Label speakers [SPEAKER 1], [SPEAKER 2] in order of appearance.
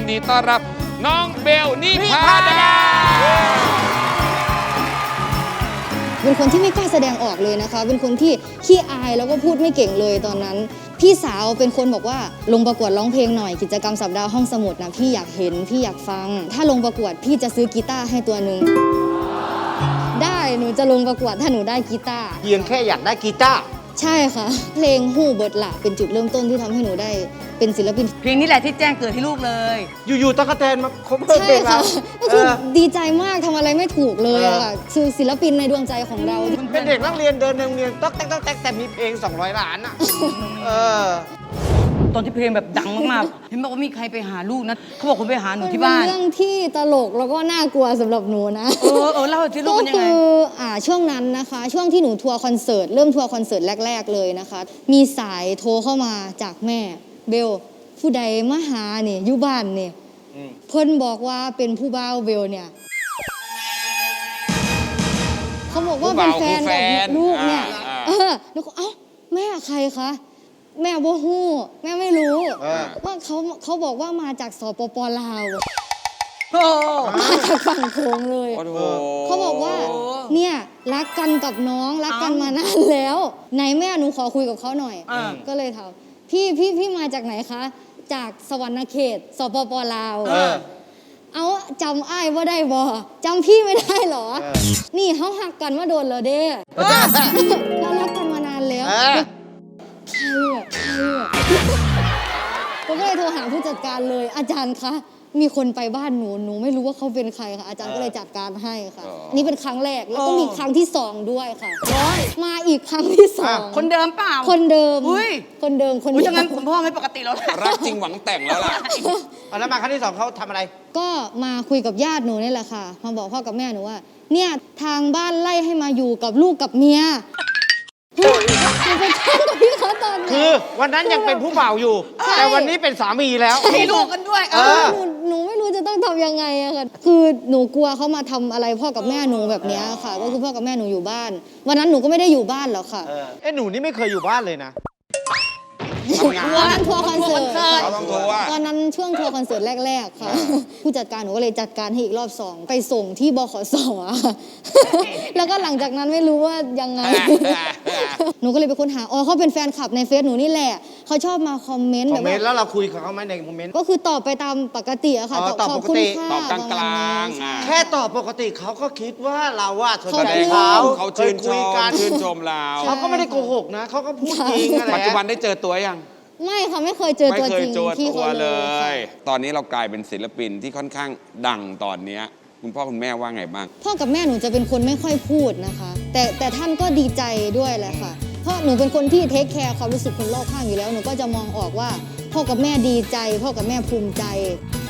[SPEAKER 1] นดีต้อนรับน้องเบลนิพาดา
[SPEAKER 2] เป็นคนที่ไม่กล้าแสดงออกเลยนะคะเป็นคนที่ขี้อายแล้วก็พูดไม่เก่งเลยตอนนั้นพี่สาวเป็นคนบอกว่าลงประกวดร้องเพลงหน่อยกิจกรรมสัปดาห์ห้องสมุดนะพี่อยากเห็นพี่อยากฟังถ้าลงประกวดพี่จะซื้อกีตาร์ให้ตัวหนึ่งได้หนูจะลงประกวดถ้าหนูได้กีตาร์
[SPEAKER 3] เพียงแค่อยากได้กีตาร์
[SPEAKER 2] ใช่ค่ะเพลงฮู้เบิดละเป็นจุดเริ่มต้นที่ทำให้หนูได้เป็นศิลปิน
[SPEAKER 4] เพลงนี้แหละที่แจ้งเกิดให้ลูกเลย
[SPEAKER 3] อยู่ๆตั๊กแตนมาคบเพลง
[SPEAKER 2] ใช่ค่ะก็คือ
[SPEAKER 3] ดี
[SPEAKER 2] ดีใจมากทำอะไรไม่ถูกเลยอะค่ะคือศิลปินในดวงใจของเรา
[SPEAKER 3] เป็นเด็กนักเรียนเดินในโรงเรียนต๊อกแต๊กแต่มีเพลง200 ล้านอ่ะ
[SPEAKER 4] ตอนที่เพลงแบบดังมากๆเห็นบอกว่ามีใครไปหาลูกนะเขาบอกคนไปหาหนูที่บ้าน
[SPEAKER 2] เป็นเรื่องที่ตลกแล้วก็น่ากลัวสำหรับหนูนะ
[SPEAKER 4] เล่าที่ลูกเป็นยังไง
[SPEAKER 2] ก็คือช่วงนั้นนะคะช่วงที่หนูทัวร์คอนเสิร์ตเริ่มทัวร์คอนเสิร์ตแรกๆเลยนะคะมีสายโทรเข้ามาจากแม่เบลผู้ใดมาหาเนี่ยอยู่บ้านเนี่ยเพิ่นบอกว่าเป็นผู้บ่าวเบลเนี่ยเขาบอกว่าเป็นแฟนกับลูกเนี่ยแล้วก็เอ้าแม่ใครคะแม่บ่ฮู้แม่ไม่รู้ว่าเขาบอกว่ามาจากสปป.ลาวมาจากฝั่งโขงเลยเขาบอกว่าเนี่ยรักกันกับน้องรักกันมานานแล้วไหนแม่หนูขอคุยกับเขาหน่อยก็เลยถามพี่มาจากไหนคะจากสวรรณเขตสปป.ลาวเอาจำอ้ายว่าได้บ่จำพี่ไม่ได้หรอนี่เขาหักกันมาโดนแล้วเด้เรารักกันมานานแล้วใครผมก็เลยโทรหาผู้จัดการเลยอาจารย์คะมีคนไปบ้านหนูไม่รู้ว่าเขาเป็นใครค่ะอาจารย์ก็เลยจัดการให้ค่ะนี่เป็นครั้งแรกแล้วก็มีครั้งที่2ด้วยค่ะมาอีกครั้งที่2
[SPEAKER 4] คนเดิมเปล่า
[SPEAKER 2] คนเดิมคนเดิม
[SPEAKER 4] จังงั้นคุณพ่อไม่ปกติแล้ว
[SPEAKER 1] รักจริงหวังแต่งแล้วล่ะ
[SPEAKER 3] แล้วมาครั้งที่2เขาทำอะไร
[SPEAKER 2] ก็มาคุยกับญาติหนูนี่แหละค่ะมาบอกพ่อกับแม่หนูว่าเนี่ยทางบ้านไล่ให้มาอยู่กับลูกกับเมีย
[SPEAKER 3] คือวันนั้นยังเป็นผู้บ่าวอยู่แต่วันนี้เป็นสามีแล้ว
[SPEAKER 4] มีลูกกันด้วย
[SPEAKER 2] หนูไม่รู้จะต้องทำยังไงอะค่ะคือหนูกลัวเขามาทำอะไรพ่อกับแม่หนูแบบนี้ค่ะก็คือพ่อกับแม่หนูอยู่บ้านวันนั้นหนูก็ไม่ได้อยู่บ้านหรอกค่ะ
[SPEAKER 3] หนูนี่ไม่เคยอยู่บ้านเลยนะ
[SPEAKER 2] วันนั้นทัวร์คอนเสิร์ตตอนนั้นช่วงทัวร์คอนเสิร์ตแรกๆค่ะผู้จัดการหนูก็เลยจัดการให้อีกรอบ2ไปส่งที่บขส.แล้วก็หลังจากนั้นไม่รู้ว่ายังไงหนูก็เลยไปค้นหาเขาเป็นแฟนคลับในเฟซหนูนี่แหละเขาชอบมาคอมเมนต์
[SPEAKER 3] แบบแล้วเราคุยกับเขาไหมในคอมเมนต์
[SPEAKER 2] ก็คือตอบไปตามปกติอะค่ะ
[SPEAKER 3] ตอบปกติ
[SPEAKER 1] ตอบกลาง
[SPEAKER 3] ๆแค่ตอบปกติเขาก็คิดว่าเราสนใจ
[SPEAKER 1] เขาชื่นชมเรา
[SPEAKER 3] เขาก็ไม่ได้โกหกนะเขาก็พูดจริงอะไร
[SPEAKER 1] ปัจจุบันได้เจอตัวยัง
[SPEAKER 2] ไม่ค่ะไม่เคยเจอตัวจริงที่เขา
[SPEAKER 1] เลยตอนนี้เรากลายเป็นศิลปินที่ค่อนข้างดังตอนนี้คุณพ่อคุณแม่ว่าไงบ้าง
[SPEAKER 2] พ่อกับแม่หนูจะเป็นคนไม่ค่อยพูดนะคะแต่ท่านก็ดีใจด้วยแหละค่ะเพราะหนูเป็นคนที่เทคแคร์ความรู้สึกคนรอบข้างอยู่แล้วหนูก็จะมองออกว่าพ่อกับแม่ดีใจพ่อกับแม่ภูมิใจ